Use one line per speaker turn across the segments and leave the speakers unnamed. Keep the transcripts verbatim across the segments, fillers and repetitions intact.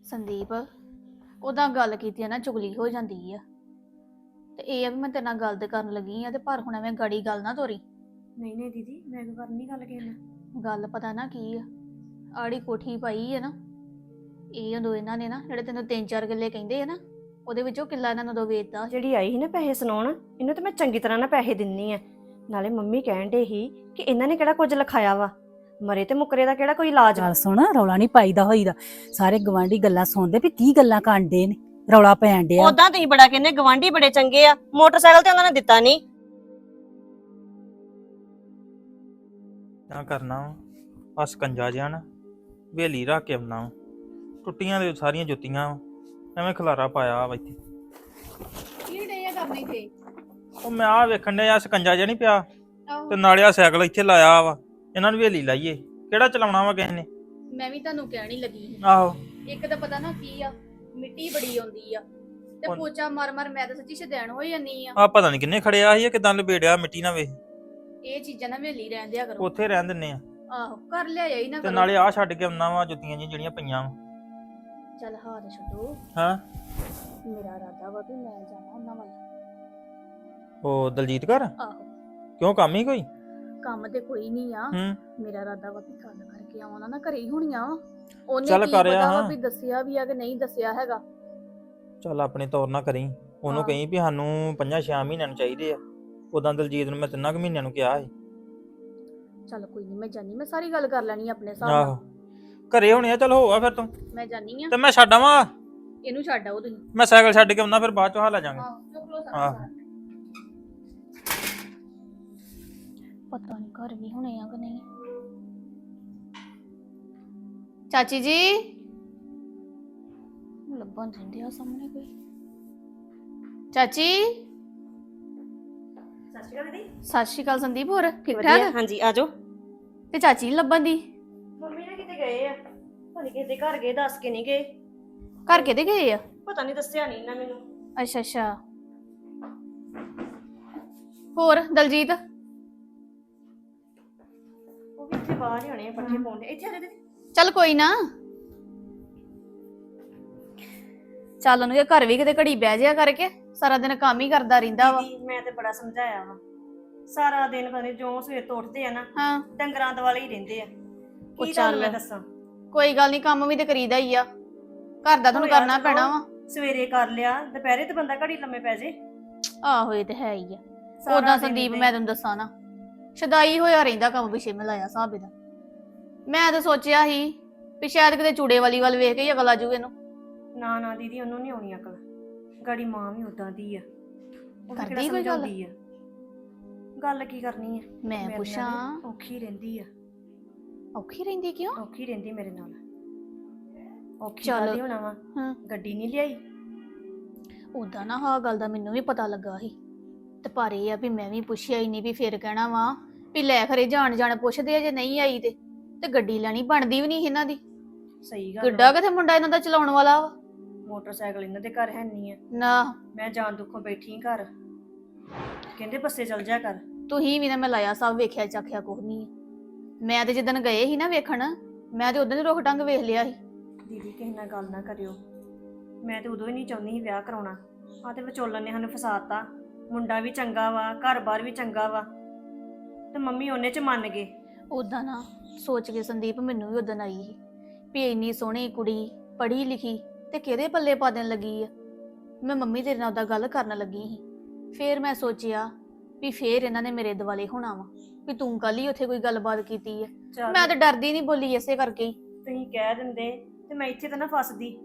ਸੰਦੀਪ ਉਹਦਾ ਗੱਲ ਕੀਤੀ ਆ ਨਾ ਚੁਗਲੀ ਹੋ ਜਾਂਦੀ ਆ। ਤੇ ਇਹ ਆ ਵੀ ਮੈਂ ਤੇਰੇ ਨਾਲ ਗੱਲ ਤੇ ਕਰਨ ਲੱਗੀ ਆ ਤੇ ਪਰ ਹੁਣ ਐਵੇਂ ਗੜੀ ਗੱਲ ਨਾ ਤੋਰੀ।
ਨਹੀਂ ਨਹੀਂ ਦੀਦੀ ਮੈਂ ਕਿਉਂ ਕਰਨੀ ਗੱਲ ਕਿਸੇ ਨਾਲ।
ਗੱਲ ਪਤਾ ਨਾ ਕੀ ਆ, ਆੜੀ ਕੋਠੀ ਪਾਈ ਆ ਨਾ, ਇਹ ਉਦੋਂ ਇਹਨਾਂ ਨੇ ਨਾ ਜਿਹੜੇ ਤੈਨੂੰ ਤਿੰਨ ਚਾਰ ਕਿੱਲੇ ਕਹਿੰਦੇ ਆ ਨਾ, ਉਹਦੇ ਵਿੱਚੋਂ ਕਿੱਲਾ ਇਹਨਾਂ ਨੂੰ ਉਦੋਂ ਵੇਚਤਾ।
ਜਿਹੜੀ ਆਈ ਸੀ ਨਾ ਪੈਸੇ ਸੁਣਾਉਣ, ਇਹਨੂੰ ਤਾਂ ਮੈਂ ਚੰਗੀ ਤਰ੍ਹਾਂ ਨਾ ਪੈਸੇ ਦਿੰਨੀ ਆ। ਨਾਲੇ ਮੰਮੀ ਕਹਿਣ ਡੇ ਸੀ ਕਿ ਇਹਨਾਂ ਨੇ ਕਿਹੜਾ ਕੁਝ ਲਿਖਾਇਆ ਵਾ, ਮਰੇ ਤੇ ਮੁਕਰੇ ਦਾ ਕਿਹੜਾ ਕੋਈ ਇਲਾਜ ਵਾ।
ਗੱਲ ਸੁਣ, ਰੌਲਾ ਨਹੀਂ ਪਾਈਦਾ ਹੋਈਦਾ। ਸਾਰੇ ਗਵਾਂਢੀ ਗੱਲਾਂ ਸੁਣਦੇ ਵੀ ਕੀ ਗੱਲਾਂ ਕਾਂਡੇ ਨੇ, ਰੌਲਾ ਪੈਣ ਡਿਆ।
ਉਦਾਂ ਤੁਸੀਂ ਬੜਾ ਕਹਿੰਦੇ ਗਵਾਂਢੀ ਬੜੇ ਚੰਗੇ ਆ, ਮੋਟਰਸਾਈਕਲ ਤੇ ਉਹਨਾਂ ਨੇ ਦਿੱਤਾ ਨਹੀਂ।
ਨਾ ਕਰਨਾ ਆ ਸਕੰਜਾ ਜਿਹਾ ਨਾ ਵੇਲੀ ਰੱਖ ਕੇ ਆਉਣਾ ਵਾ। ਟੁੱਟੀਆਂ ਦੇ ਸਾਰੀਆਂ ਜੁੱਤੀਆਂ ਵਾ, ਐਵੇਂ ਖਲਾਰਾ ਪਾਇਆ ਵਾ ਇੱਥੇ।
ਕੀ ਡੇ ਆ ਕਰਨੀ ਤੇ
ਉਹ ਮੈਂ ਆ ਵੇਖਣ ਡਿਆ ਸਕੰਜਾ ਜਿਹਾ ਨਹੀਂ ਪਿਆ, ਤੇ ਨਾਲੇ ਆ ਸਾਈਕਲ ਇੱਥੇ ਲਾਇਆ ਵਾ, ਇਹਨਾਂ ਨੂੰ ਵੇਲੀ ਲਾਈਏ। ਕਿਹੜਾ ਚਲਾਉਣਾ ਵਾ ਕਿਸੇ ਨੇ?
ਮੈਂ ਵੀ ਤੁਹਾਨੂੰ ਕਹਿਣ ਹੀ ਲੱਗੀ ਸੀ।
ਆਹੋ
ਇੱਕ ਤਾਂ ਪਤਾ ਨਾ ਕੀ ਆ, ਮਿੱਟੀ ਬੜੀ ਆਉਂਦੀ ਆ ਤੇ
ਹੁਣ-
ਪੋਚਾ ਮਾਰ ਮਾਰ ਮੈਂ ਤਾਂ ਸੱਚੀ ਸ਼ਦੈਣ ਹੋ ਜਾਂਦੀ ਆ।
ਆ ਪਤਾ ਨਹੀਂ ਕਿੰਨੇ ਖੜਿਆ ਸੀ, ਕਿਦਾਂ ਲਪੇੜਿਆ ਮਿੱਟੀ ਨਾਲ ਵੇਖ।
ਇਹ ਚੀਜ਼ਾਂ ਨਾ ਵੇਲੀ ਰਹਿਣ ਦਿਆ ਕਰੋ।
ਉੱਥੇ ਰਹਿਣ ਦਿੰਨੇ ਆ,
ਆਹੋ ਕਰ ਲਿਆ ਹੀ ਨਾ
ਤੇ
ਕਰੋ।
ਨਾਲੇ ਆ ਛੱਡ ਕੇ ਆਉਣਾ ਵਾ ਜੁੱਤੀਆਂ ਜਿਹੀਆਂ ਜਿਹੜੀਆਂ ਪਈਆਂ ਵਾ।
ਚੱਲ ਹਾथ ਛੱਡੋ,
ਹਾਂ
ਮੇਰਾ ਇਰਾਦਾ ਵਾ ਵੀ ਮੈਂ ਜਾਣਾ ਉਹਨਾਂ ਵੱਲ।
ਉਹ ਦਲਜੀਤ ਘਰ
ਆਹੋ
ਕਿਉਂ, ਕੰਮ ਹੀ ਕੋਈ?
ਕੰਮ ਤੇ ਕੋਈ ਨਹੀਂ ਆ,
ਹੂੰ
ਮੇਰਾ ਇਰਾਦਾ ਵਾ ਵੀ ਗੱਲ ਕਰਕੇ ਆਉਣਾ ਨਾ, ਘਰੇ ਹੀ ਹੋਣੀਆਂ ਵਾ। ਉਹਨੇ
ਚੱਲ
ਕੀ
ਕਰ ਆ,
ਪਤਾ ਵਾ
ਹਾਂ।
ਵੀ ਦੱਸਿਆ ਵੀ ਆ ਕਿ ਨਹੀਂ ਦੱਸਿਆ ਹੈਗਾ।
ਚੱਲ ਆਪਣੇ ਤੌਰ ਨਾ ਕਰੀ, ਉਹਨੂੰ
ਹਾਂ।
ਕਹੀਂ ਵੀ ਸਾਨੂੰ ਪੰਜਾਂ ਛੇ ਮਹੀਨਿਆਂ ਨੂੰ ਚਾਹੀਦੇ ਆ। ਉਦਾਂ ਦਲਜੀਤ ਨੂੰ ਮੈਂ ਤਿੰਨਾਂ ਕੁ ਮਹੀਨਿਆਂ ਨੂੰ ਕਿਹਾ ਸੀ।
ਚੱਲ ਕੋਈ ਨਹੀਂ, ਮੈਂ ਜਾਨੀ, ਮੈਂ ਸਾਰੀ ਗੱਲ ਕਰ ਲੈਣੀ ਆਪਣੇ ਹਿਸਾਬ
ਆਹੋ
ਨਾਲ।
ਘਰੇ ਹੋਣੇ ਆ, ਚੱਲ ਹੋਆ ਫਿਰ ਤੂੰ,
ਮੈਂ ਜਾਨੀ ਆ,
ਤੇ ਮੈਂ ਛੱਡ ਆਵਾਂ।
ਇਹਨੂੰ ਛੱਡ ਆਓ ਤੁਸੀਂ।
ਮੈਂ ਸਾਈਕਲ ਛੱਡ ਕੇ ਆਉਣਾ, ਫਿਰ ਬਾਅਦ ਚੋਂ ਹਾਲਾ ਜਾਵਾਂਗੇ।
ਆਹੋ ਚੁੱਕ ਲਓ
ਆਹ।
ਸਾਰਾ। ਪਤਾ ਨਹੀਂ ਘਰ ਵੀ ਹੋਣੇ ਆ ਕਿ ਨਹੀਂ। ਚਾਚੀ ਜੀ ਲੱਭਣ ਦਿੰਦੇ ਆ ਸਾਹਮਣੇ ਕੋਈ। ਚਾਚੀ
ਸਤਿ ਸ਼੍ਰੀ ਅਕਾਲ ਦੀਦੀ।
ਸਤਿ ਸ਼੍ਰੀ ਅਕਾਲ ਸੰਦੀਪ, ਹੋਰ ਠੀਕ
ਵਧੀਆ,
ਠਾਕ?
ਹਾਂਜੀ ਆਜੋ।
ਤੇ ਚਾਚੀ ਨੀ ਲੱਭਣ ਦੀ?
ਮੰਮੀ ਨੇ ਕਿਤੇ ਗਏ ਆ, ਪਤਾ ਨੀ ਕਿਸੇ ਦੇ ਘਰ ਗਏ, ਦੱਸ ਕੇ ਨਹੀਂ ਗਏ।
ਘਰ ਕਿਹਦੇ ਗਏ ਆ?
ਪਤਾ ਨਹੀਂ ਦੱਸਿਆ ਨਹੀਂ ਇਹਨਾਂ ਮੈਨੂੰ।
ਅੱਛਾ ਅੱਛਾ। ਹੋਰ ਦਲਜੀਤ?
ਉਹ ਵੀ ਇੱਥੇ ਬਾਹਰ ਹੀ ਹੋਣੇ ਆ, ਪੱਠੇ ਪਾਉਂਦੇ। ਇੱਥੇ ਆ ਜਾ ਦੀਦੀ।
ਚੱਲ ਕੋਈ ਨਾ, ਚੱਲ ਉਹਨੂੰ ਇਹ ਘਰ ਵੀ ਕਿਤੇ ਘੜੀ ਬਹਿ ਜਿਆ ਕਰਕੇ, ਸਾਰਾ ਦਿਨ ਕੰਮ ਹੀ ਕਰਦਾ ਰਹਿੰਦਾ ਵਾ।
ਦੀਦੀ ਮੈਂ ਤੇ ਬੜਾ ਸਮਝਾਇਆ ਵਾ, ਸਾਰਾ ਦਿਨ ਪਤਾ ਨੀ ਜੋ ਸਵੇਰ ਤੋਂ ਉੱਠਦੇ ਆ ਨਾ,
ਹਾਂ
ਡੰਗਰਾਂ ਦੁਆਲੇ ਹੀ ਰਹਿੰਦੇ ਆ।
ਉਹ
ਕੀ
ਚੱਲ।
ਤੁਹਾਨੂੰ ਮੈਂ ਦੱਸਾਂ,
ਕੋਈ ਗੱਲ ਨਹੀਂ, ਕੰਮ ਵੀ ਤੇ ਕਰੀਦਾ ਹੀ ਆ, ਘਰ ਦਾ ਤੁਹਾਨੂੰ
ਹੋਇਆ
ਕਰਨਾ
ਚਲੋ।
ਪੈਣਾ ਵਾ।
ਸਵੇਰੇ ਕਰ ਲਿਆ, ਦੁਪਹਿਰੇ ਤੇ ਬੰਦਾ ਘੜੀ ਲੰਮੇ ਪੈ ਜੇ।
ਆਹੋ ਇਹ ਤੇ ਹੈ ਹੀ ਆ।
ਸਾਰਾ
ਉਦਾਂ
ਦਿਨ
ਸੰਦੀਪ
ਏਦਾਂ ਹੀ।
ਮੈਂ ਤੈਨੂੰ ਦੱਸਾਂ ਨਾ, ਸ਼ਦਾਈ ਹੋਇਆ ਰਹਿੰਦਾ ਕੰਮ ਪਿੱਛੇ ਮੈਂ ਲਾਇਆ ਹਿਸਾਬ ਇਹਦਾ। ਮੈਂ ਤਾਂ ਸੋਚਿਆ ਸੀ ਵੀ ਸ਼ਾਇਦ ਕਿਤੇ ਚੂੜੇ ਵਾਲੀ ਵੱਲ ਵੇਖ ਕੇ ਹੀ ਅਗਲ ਆ ਜੂ ਇਹਨੂੰ।
ਨਾ ਨਾ ਦੀਦੀ, ਉਹਨੂੰ ਨਹੀਂ ਆਉਣੀ ਅਕਲ। ਗਾੜੀ ਮਾਂ ਵੀ ਉਦਾਂ ਦੀ ਆ, ਉਹ ਵੀ
ਕਰਦੀ
ਕਿਹੜਾ
ਕੋਈ ਗੱਲ?
ਸਮਝਾਉਂਦੀ ਆ। ਗੱਲ ਕੀ ਕਰਨੀ ਆ,
ਮੈਂ
ਮੇਰੇ ਨਾਲ
ਪੁੱਛਾਂ
ਵੀ ਔਖੀ ਰਹਿੰਦੀ ਆ।
ਔਖੀ ਰਹਿੰਦੀ ਕਿਉਂ?
ਔਖੀ ਰਹਿੰਦੀ ਮੇਰੇ ਨਾਲ। ਔਖੀ
ਚੱਲ।
ਕਾਹਦੀ ਹੋਣਾ ਵਾ,
ਹਾਂ
ਗੱਡੀ ਨਹੀਂ ਲਿਆਈ।
ਉਦਾਂ ਨਾ ਹਾਂ ਗੱਲ ਦਾ ਮੈਨੂੰ ਵੀ ਪਤਾ ਲੱਗਾ ਸੀ, ਤੇ ਪਰ ਇਹ ਆ ਵੀ ਮੈਂ ਵੀ ਪੁੱਛਿਆ ਹੀ ਨਹੀਂ ਵੀ ਫਿਰ ਕਹਿਣਾ ਵਾ ਵੀ ਲੈ ਖਰੇ ਜਾਣ ਜਾਣ ਪੁੱਛਦੇ ਆ, ਜੇ ਨਹੀਂ ਆਈ ਤੇ ਤੇ ਗੱਡੀ ਲੈਣੀ ਬਣਦੀ ਵੀ ਨਹੀਂ ਇਹਨਾਂ ਦੀ।
ਸਹੀ ਗੱਲ
ਕਿੱਡਾ
ਵਾ।
ਕਿਥੇ ਮੁੰਡਾ ਇਹਨਾਂ ਦਾ ਚਲਾਉਣ ਵਾਲਾ ਵਾ।
ਮੋਟਰਸਾਈਕਲ ਇਹਨਾਂ ਦੇ ਘਰ ਹੈ ਨਹੀਂ ਆ।
ਨਾ
ਮੈਂ ਜਾਣ ਦੁੱਖੋਂ ਬੈਠੀ ਘਰ, ਕਹਿੰਦੇ ਬੱਸੇ ਚਲ ਜਾ ਕਰ।
ਤੁਸੀਂ ਵੀ ਨਾ ਮੈਂ ਲਾਇਆ ਸਭ ਵੇਖਿਆ ਚਾਖਿਆ ਕੁਝ ਨਹੀਂ। ਮੈਂ ਤੇ ਜਿੱਦਣ ਗਏ ਸੀ ਨਾ ਵੇਖਣ, ਮੈਂ ਤੇ ਉਦੋਂ ਹੀ ਰੁੱਖ ਟੰਗ ਵੇਖ ਲਿਆ ਸੀ।
ਦੀਦੀ ਕਿਸੇ ਨਾਲ ਗੱਲ ਨਾ ਕਰਿਓ, ਮੈਂ ਤੇ ਉਦੋਂ ਹੀ ਨਹੀਂ ਚਾਹੁੰਦੀ ਸੀ ਵਿਆਹ ਕਰਾਉਣਾ। ਆ ਤੇ ਵਿਚੋਲਨ ਨੇ ਸਾਨੂੰ ਫਸਾਤਾ। ਮੁੰਡਾ ਵੀ ਚੰਗਾ ਵਾ, ਘਰ-ਬਾਰ ਵੀ ਚੰਗਾ ਵਾ, ਤੇ ਮੰਮੀ ਉਹਨੇ ਚ ਮੰਨ ਗਏ।
ਉਦਾਂ ਨਾ ਸੋਚ ਕੇ ਸੰਦੀਪ ਮੈਨੂੰ ਵੀ ਉਦੋਂ ਆਈ ਸੀ ਵੀ ਇੰਨੀ ਸੋਹਣੀ ਕੁੜੀ ਪੜ੍ਹੀ ਲਿਖੀ ਤੇ ਕਿਹਦੇ ਪੱਲੇ ਪਾ ਦੇਣ ਲੱਗੀ ਆ। ਮੈਂ ਮੰਮੀ ਤੇਰੇ ਨਾਲ ਉਹਦਾ ਗੱਲ ਕਰਨ ਲੱਗੀ ਸੀ, ਫੇਰ ਮੈਂ ਸੋਚਿਆ ਵੀ ਫੇਰ ਇਹਨਾਂ ਨੇ ਮੇਰੇ ਦੁਆਲੇ ਹੋਣਾ ਵਾ ਵੀ ਤੂੰ ਕੱਲ ਹੀ ਉੱਥੇ ਕੋਈ ਗੱਲਬਾਤ ਕੀਤੀ ਆ।
ਚੱਲ,
ਮੈਂ ਤਾਂ ਡਰਦੀ ਨਹੀਂ ਬੋਲੀ ਇਸੇ ਕਰਕੇ ਹੀ।
ਤੁਸੀਂ ਕਹਿ ਦਿੰਦੇ ਤੇ ਮੈਂ ਇੱਥੇ ਤਾਂ ਨਾ ਫਸਦੀ।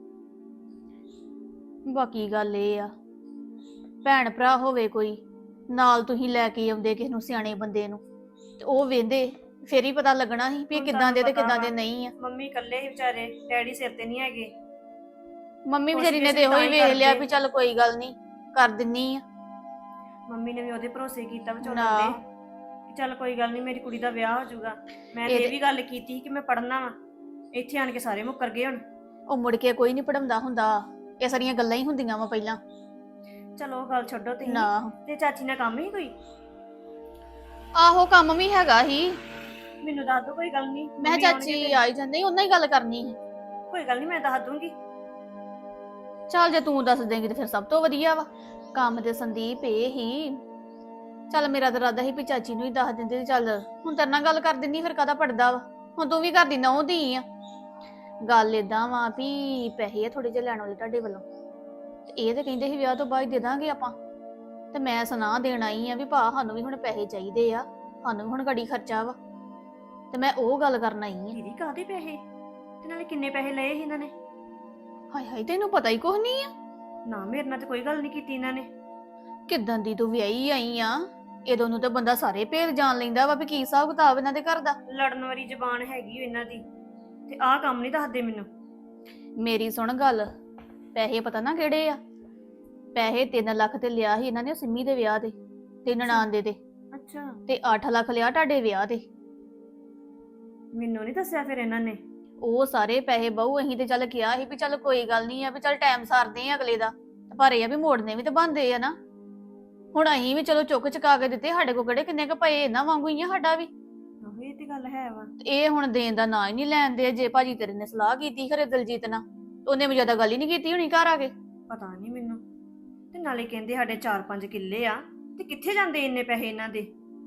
ਬਾਕੀ ਗੱਲ ਇਹ ਆ, ਭੈਣ ਭਰਾ ਹੋਵੇ ਕੋਈ ਨਾਲ, ਤੁਸੀਂ ਲੈ ਕੇ ਆਉਂਦੇ ਕਿਸੇ ਨੂੰ ਸਿਆਣੇ ਬੰਦੇ ਨੂੰ, ਤੇ ਉਹ ਵੇਂਦੇ ਫੇਰ ਹੀ ਪਤਾ ਲੱਗਣਾ ਸੀ ਵੀ ਇਹ
ਹੁਣ
ਕਿੱਦਾਂ ਦੇ ਤੇ
ਤੁਹਾਨੂੰ
ਕਿੱਦਾਂ
ਪਤਾ
ਦੇ
ਵਾ।
ਨਹੀਂ ਆ।
ਮੰਮੀ ਇਕੱਲੇ ਹੀ ਵਿਚਾਰੇ, ਡੈਡੀ ਸਿਰ ਤੇ ਨਹੀਂ ਹੈਗੇ।
ਮੰਮੀ
ਕੁਛ
ਵਿਚਾਰੀ
ਵੀ
ਨੇ ਤੇ ਇਹੋ ਹੀ
ਅਸੀਂ ਤਾਂ
ਵੇਖ
ਹੀ
ਲਿਆ
ਕਰਦੇ।
ਵੀ ਚੱਲ ਕੋਈ ਗੱਲ ਨਹੀਂ ਕਰ ਦਿੰਨੀ ਆ।
ਮੰਮੀ ਨੇ ਵੀ ਉਹਦੇ ਭਰੋਸੇ ਕੀਤਾ ਵਿਚੋਲਨ
ਨਾ।
ਦੇ ਕਿ ਚੱਲ ਕੋਈ ਗੱਲ ਨਹੀਂ, ਮੇਰੀ ਕੁੜੀ ਦਾ ਵਿਆਹ ਹੋ ਜਾਊਗਾ। ਮੈਂ ਤੇ
ਇਹ
ਇਹ ਵੀ ਗੱਲ ਕੀਤੀ ਕਿ ਮੈਂ ਪੜ੍ਹਨਾ ਵਾ। ਇੱਥੇ ਆਣ ਕੇ ਸਾਰੇ ਮੁੱਕਰ ਗਏ ਹੁਣ।
ਉਹ ਮੁੜ ਕੇ ਕੋਈ ਨਹੀਂ ਪੜਾਉਂਦਾ ਹੁੰਦਾ, ਇਹ ਸਾਰੀਆਂ ਗੱਲਾਂ ਹੀ ਹੁੰਦੀਆਂ ਵਾ ਪਹਿਲਾਂ।
ਚਲੋ ਉਹ ਗੱਲ ਛੱਡੋ ਤੁਸੀਂ।
ਨਾ
ਤੇ ਚਾਚੀ ਨਾਲ ਕੰਮ ਹੀ ਕੋਈ?
ਆਹੋ ਕੰਮ ਵੀ ਹੈਗਾ ਹੀ।
ਮੈਨੂੰ ਦੱਸ ਦੋ, ਕੋਈ ਗੱਲ ਨਹੀਂ।
ਮੈਂ ਕਿਹਾ ਚਾਚੀ ਆਈ ਜਾਂਦੇ ਉਹਨਾਂ ਹੀ ਗੱਲ ਕਰਨੀ ਸੀ।
ਕੋਈ ਗੱਲ ਨਹੀਂ ਮੈਂ ਦੱਸ ਦੂੰਗੀ।
ਚੱਲ ਜੇ ਤੂੰ ਦੱਸ ਦੇਂਗੀ ਤੇ ਫਿਰ ਸਭ ਤੋਂ ਵਧੀਆ ਵਾ। ਕੰਮ ਤੇ ਸੰਦੀਪ ਇਹ ਹੀ, ਚੱਲ ਮੇਰਾ ਤਾਂ ਇਰਾਦਾ ਸੀ ਵੀ ਚਾਚੀ ਨੂੰ ਹੀ ਦੱਸ ਦਿੰਦੇ ਤੇ ਚੱਲ ਹੁਣ ਤੇਰੇ ਨਾਲ ਗੱਲ ਕਰ ਦਿੰਦੀ, ਫਿਰ ਕਾਹਦਾ ਪੜਦਾ ਵਾ। ਹੁਣ ਤੂੰ ਵੀ ਘਰ ਦੀ ਨਹੁੰ ਧੀ ਆ। ਗੱਲ ਏਦਾਂ ਵਾ ਵੀ ਪੈਸੇ ਆ ਥੋੜੇ ਜਿਹੇ ਲੈਣ ਵਾਲੇ ਤੁਹਾਡੇ ਵੱਲੋਂ, ਤੇ ਇਹ ਤੇ ਕਹਿੰਦੇ ਸੀ ਵਿਆਹ ਤੋਂ ਬਾਅਦ ਦੇ ਦਾਂਗੇ ਆਪਾਂ, ਤੇ ਮੈਂ ਸੁਣਾ ਦੇਣ ਆਈ ਆ ਵੀ ਭਾ ਸਾਨੂੰ ਵੀ ਹੁਣ ਪੈਸੇ ਚਾਹੀਦੇ ਆ, ਸਾਨੂੰ ਵੀ ਹੁਣ ਗੜੀ ਖਰਚਾ ਵਾ, ਤੇ ਮੈਂ ਉਹ ਗੱਲ ਕਰਨ ਆਈ ਆ।
ਦੀਦੀ ਕਾਹਦੇ ਪੈਸੇ ਤੇ ਨਾਲੇ ਕਿੰਨੇ ਪੈਸੇ ਲਏ ਸੀ ਇਹਨਾਂ ਨੇ?
ਹਾਏ ਹਾਏ ਤੈਨੂੰ ਪਤਾ ਹੀ ਕੁਛ ਨਹੀਂ ਆ।
ਨਾ ਮੇਰੇ ਨਾਲ ਤੇ ਕੋਈ ਗੱਲ ਨਹੀਂ ਕੀਤੀ ਇਹਨਾਂ ਨੇ।
ਕਿੱਦਾਂ ਦੀ ਤੂੰ ਵਿਆਹੀ ਆਈ ਆ, ਇਦੋਂ ਨੂੰ ਤਾਂ ਬੰਦਾ ਸਾਰੇ ਭੇਦ ਜਾਣ ਲੈਂਦਾ ਵਾ ਵੀ ਕੀ ਹਿਸਾਬ ਕਿਤਾਬ ਇਹਨਾਂ ਦੇ ਘਰ ਦਾ।
ਲੜਨ ਵਾਲੀ ਜ਼ਬਾਨ ਹੈਗੀ ਓ ਇਹਨਾਂ ਦੀ, ਤੇ ਆਹ ਕੰਮ ਨਹੀਂ ਦੱਸਦੇ ਮੈਨੂੰ।
ਮੇਰੀ ਸੁਣ ਗੱਲ, ਪੈਸੇ ਪਤਾ ਨਾ ਕਿਹੜੇ ਆ। ਪੈਸੇ ਤਿੰਨ ਲੱਖ ਤੇ ਲਿਆ ਸੀ ਇਹਨਾਂ ਨੇ ਸਿੰਮੀ ਦੇ ਵਿਆਹ ਦੇ ਤੇ ਨਨਾਣ ਦੇ ਤੇ
ਅੱਛਾ,
ਤੇ ਅੱਠ ਲੱਖ ਲਿਆ ਤੁਹਾਡੇ ਵਿਆਹ ਤੇ।
ਮੈਨੂੰ ਨਹੀਂ ਦੱਸਿਆ ਫਿਰ ਇਹਨਾਂ ਨੇ।
ਉਹ ਸਾਰੇ ਪੈਸੇ ਬਹੁ ਅਸੀਂ ਤੇ ਚੱਲ ਕਿਹਾ ਸੀ ਵੀ ਚੱਲ ਕੋਈ ਗੱਲ ਨਹੀਂ ਆ ਵੀ ਚੱਲ ਟਾਈਮ ਸਾਰਦੇ ਆ ਅਗਲੇ ਦਾ, ਤੇ ਪਰ ਇਹ ਆ ਵੀ ਮੋੜਨੇ ਵੀ ਤੇ ਬਣਦੇ ਆ ਨਾ। ਹੁਣ ਅਸੀਂ ਵੀ ਚਲੋ ਚੁੱਕ ਚੁਕਾ ਕੇ ਦਿੱਤੇ, ਸਾਡੇ ਕੋਲ ਕਿਹੜੇ ਕਿੰਨੇ ਕ ਪਏ, ਇਹਨਾਂ ਵਾਂਗੂ ਹੀ ਆ ਸਾਡਾ ਵੀ।
ਆਹੋ ਇਹ ਤੇ ਗੱਲ ਹੈ ਵਾ।
ਤੇ ਇਹ ਹੁਣ ਦੇਣ ਦਾ ਨਾਂ ਹੀ ਨਹੀਂ ਲੈਂਦੇ। ਜੇ ਭਾਜੀ ਤੇਰੇ ਨੇ ਸਲਾਹ ਕੀਤੀ ਖਰੇ ਦਲਜੀਤ ਨਾਲ, ਉਹਨੇ ਵੀ ਜ਼ਿਆਦਾ ਗੱਲ ਹੀ ਨਹੀਂ ਕੀਤੀ ਹੋਣੀ ਘਰ ਆ ਕੇ।
ਪਤਾ ਨਹੀਂ ਮੈਨੂੰ। ਤੇ ਨਾਲੇ ਕਹਿੰਦੇ ਸਾਡੇ ਚਾਰ ਪੰਜ ਕਿੱਲੇ ਆ, ਤੇ ਕਿੱਥੇ ਜਾਂਦੇ ਇੰਨੇ ਪੈਸੇ ਇਹਨਾਂ ਦੇ?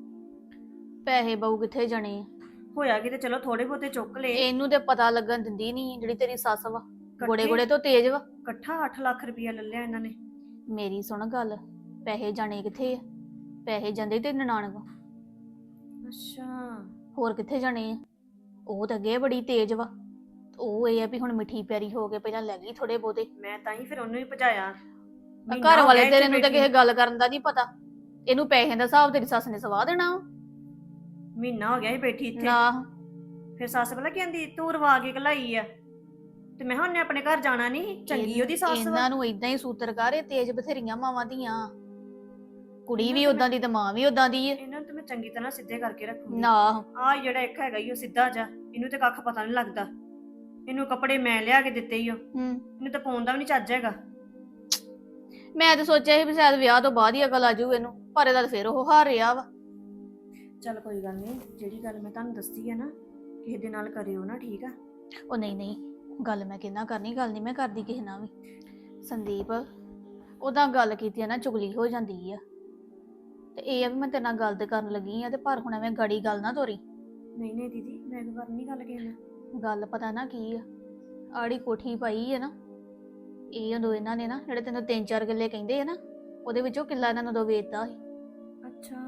ਪੈਸੇ ਬਹੁ ਕਿੱਥੇ ਜਾਣੇ ਆ।
ਹੋਇਆ ਕਿ ਤੇ ਚਲੋ ਥੋੜੇ ਬਹੁਤੇ ਚੁੱਕ ਲਏ।
ਇਹਨੂੰ ਤੇ ਪਤਾ ਲੱਗਣ ਦਿੰਦੀ ਨਹੀਂ ਜਿਹੜੀ ਤੇਰੀ ਸੱਸ ਵਾ, ਗੋੜੇ
ਇਕੱਠੇ-
ਗੋੜੇ ਤੋਂ ਤੇਜ਼ ਵਾ।
ਇਕੱਠਾ ਅੱਠ ਲੱਖ ਰੁਪਇਆ ਲੈ ਲਿਆ ਇਹਨਾਂ ਨੇ।
ਮੇਰੀ ਸੁਣ ਗੱਲ, ਪੈਸੇ ਜਾਣੇ ਕਿੱਥੇ ਆ? ਪੈਸੇ ਜਾਂਦੇ ਤੇ ਨਨਾਣ ਕੋ,
ਅੱਛਾ,
ਹੋਰ ਕਿੱਥੇ ਜਾਣੇ ਆ? ਉਹ ਤਾਂ ਅੱਗੇ ਬੜੀ ਤੇਜ਼ ਵਾ। ਉਹ ਇਹ ਆ ਵੀ ਹੁਣ ਮਿੱਠੀ ਪਿਆਰੀ ਹੋ ਕੇ ਪਹਿਲਾਂ ਲੈ ਗਈ ਥੋੜੇ ਬਹੁਤੇ।
ਮੈਂ ਤਾਂ ਹੀ ਫਿਰ ਉਹਨੂੰ ਹੀ ਭਜਾਇਆ। ਮਹੀਨਾ
ਘਰ
ਹੋ
ਵਾਲੇ
ਗਿਆ
ਤੇਰੇ
ਇੱਥੇ
ਨੂੰ ਤਾਂ
ਬੈਠੀ।
ਕਿਸੇ ਗੱਲ ਕਰਨ ਦਾ ਨਹੀਂ ਪਤਾ। ਇਹਨੂੰ ਪੈਸੇ ਦਾ ਹਿਸਾਬ ਤੇਰੀ ਸੱਸ ਨੇ ਸਵਾਹ ਦੇਣਾ ਵਾ।
ਮਹੀਨਾ ਹੋ ਗਿਆ ਸੀ ਬੈਠੀ ਇੱਥੇ।
ਨਾ
ਫਿਰ ਸੱਸ ਪਤਾ ਕੀ ਕਹਿੰਦੀ, ਤੂੰ ਰਵਾ ਕੇ ਘਲਾਈ ਆ। ਤੇ ਮੈਂ ਕਿਹਾ ਉਹਨੇ ਆਪਣੇ ਘਰ ਜਾਣਾ ਨਹੀਂ, ਚੰਗੀ ਉਹਦੀ ਸੱਸ ਵਾ।
ਇਹਨਾਂ ਨੂੰ ਇਦਾਂ ਹੀ ਸੂਤਰ ਕਾਰੇ ਤੇਜ਼ ਬਥੇਰੀਆਂ ਮਾਵਾਂ ਦੀਆਂ। ਕੁੜੀ ਵੀ ਉਦਾਂ ਦੀ ਤੇ ਮਾਂ ਵੀ ਉਦਾਂ ਦੀ ਹੈ।
ਇਹਨਾਂ ਨੂੰ ਤੇ ਮੈਂ ਚੰਗੀ ਤਰ੍ਹਾਂ ਸਿੱਧੇ ਕਰਕੇ ਰੱਖੂੰਗੀ।
ਨਾ
ਆਹ ਜਿਹੜਾ ਇੱਕ ਹੈਗਾ ਈ ਉਹ ਸਿੱਧਾ ਜਾ, ਇਹਨੂੰ ਤੇ ਕੱਖ ਪਤਾ ਨਹੀਂ ਲੱਗਦਾ। ਇਹਨੂੰ ਕੱਪੜੇ ਮੈਂ ਲਿਆ ਕੇ ਦਿੱਤੇ ਈ ਓ,
ਹੂੰ
ਇਹਨੂੰ ਤਾਂ ਪਾਉਣ ਦਾ ਵੀ ਨਹੀਂ ਚੱਜ ਹੈਗਾ।
ਮੈਂ ਤਾਂ ਸੋਚਿਆ ਸੀ ਵੀ ਸ਼ਾਇਦ ਵਿਆਹ ਤੋਂ ਬਾਅਦ ਹੀ ਅਕਲ ਆ ਜਾਊ ਇਹਨੂੰ, ਪਰ ਇਹਦਾ ਤਾਂ ਫਿਰ ਉਹ ਹਾਰ ਰਿਹਾ ਵਾ।
ਚੱਲ ਕੋਈ ਗੱਲ ਨਹੀਂ, ਜਿਹੜੀ ਗੱਲ ਮੈਂ ਤੁਹਾਨੂੰ ਦੱਸੀ ਆ ਨਾ, ਕਿਸੇ ਦੇ ਨਾਲ ਕਰਿਓ ਨਾ, ਠੀਕ ਆ?
ਉਹ ਨਹੀਂ ਨਹੀਂ, ਗੱਲ ਮੈਂ ਕਿੰਨਾ ਕਰਨੀ, ਗੱਲ ਨਹੀਂ ਮੈਂ ਕਰਦੀ ਕਿਸੇ ਨਾਲ ਵੀ। ਸੰਦੀਪ ਉਹਦਾ ਗੱਲ ਕੀਤੀ ਆ ਨਾ ਚੁਗਲੀ ਹੋ ਜਾਂਦੀ ਆ, ਤੇ ਇਹ ਆ ਵੀ ਮੈਂ ਤੇਰੇ ਨਾਲ ਗੱਲ ਤੇ ਕਰਨ ਲੱਗੀ ਆ, ਤੇ ਪਰ ਹੁਣ ਐਵੇਂ ਗੜੀ ਗੱਲ ਨਾ ਤੋਰੀ।
ਨਹੀਂ ਨਹੀਂ ਦੀਦੀ, ਮੈਂ ਕੋਈ ਗੱਲ ਨਹੀਂ ਗੱਲ ਕਿਸੇ ਨਾਲ।
ਗੱਲ ਪਤਾ ਨਾ ਕੀ ਆ, ਆੜੀ ਕੋਠੀ ਪਾਈ ਆ ਨਾ, ਇਹ ਉਦੋਂ ਇਹਨਾਂ ਨੇ ਨਾ ਜਿਹੜੇ ਤੈਨੂੰ ਤਿੰਨ ਚਾਰ ਕਿੱਲੇ ਕਹਿੰਦੇ ਆ ਨਾ, ਉਹਦੇ ਵਿੱਚੋਂ ਕਿੱਲਾ ਇਹਨਾਂ ਨੂੰ ਉਦੋਂ ਵੇਚਦਾ ਸੀ।
ਅੱਛਾ,